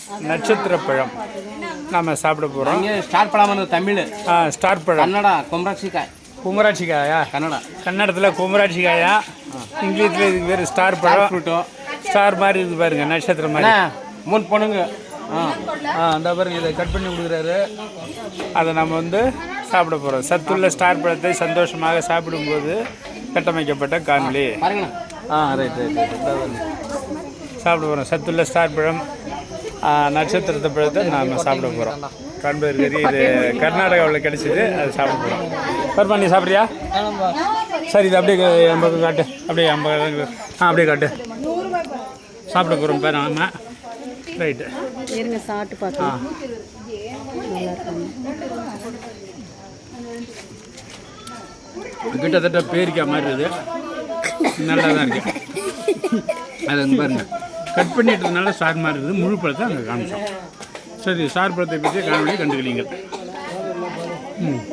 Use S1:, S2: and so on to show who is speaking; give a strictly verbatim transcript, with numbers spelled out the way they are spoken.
S1: நட்சத்திர பழம் நாம் சாப்பிட போகிறோம்.
S2: ஸ்டார் பழம் தமிழ்.
S1: ஆ ஸ்டார் பழம்.
S2: கன்னடா குமராட்சிக்காய்.
S1: குமராட்சிக்காயா?
S2: கன்னடா.
S1: கன்னடத்தில் குமராட்சிக்காயா, இங்கிலீஷில் இதுக்கு பேர் ஸ்டார் பழம்.
S2: ஃப்ரூட்டோ
S1: ஸ்டார் மாதிரி இருக்குது பாருங்க, நட்சத்திரம் மாதிரி.
S2: மூணு பொண்ணுங்க. ஆ
S1: ஆ அந்த பாருங்க, இதை கட் பண்ணி கொடுக்குறாரு. அதை நம்ம வந்து சாப்பிட போகிறோம். சத்துள்ள ஸ்டார் பழத்தை சந்தோஷமாக சாப்பிடும்போது கட்டமைக்கப்பட்ட காணொலி.
S2: பாருங்கண்ணா.
S1: ஆ ரைட் ரைட் ரைட் சாப்பிட போகிறோம். சத்துள்ள ஸ்டார் பழம், நட்சத்திரத்தை பழத்தை நாம் சாப்பிட போகிறோம். காண்பது கறி இது கர்நாடகாவில் கிடைச்சிது, அது சாப்பிட போகிறோம். பருப்பா நீ சாப்பிட்றியா? சரி, இது அப்படியே ஐம்பது காட்டு, அப்படியே ஐம்பது. ஆ அப்படியே காட்டு. சாப்பிட போகிறோம் பேர் ஆமாம். ரைட்டு
S3: இருங்க சாப்பிட்டு பார்க்கலாம்.
S1: கிட்டத்தட்ட பேரிக்காய் மாதிரி இருக்குது, நல்லா தான் இருக்குது. அது வந்து பாருங்கள், கட் பண்ணிட்டதுனால ஸ்டார் மாதிரி இருக்குது. முழு பழத்தை அங்கே காமிச்சோம். சரி, ஸ்டார் பழத்தை பற்றி காணொலி கண்டுக்கிறீங்க. ம்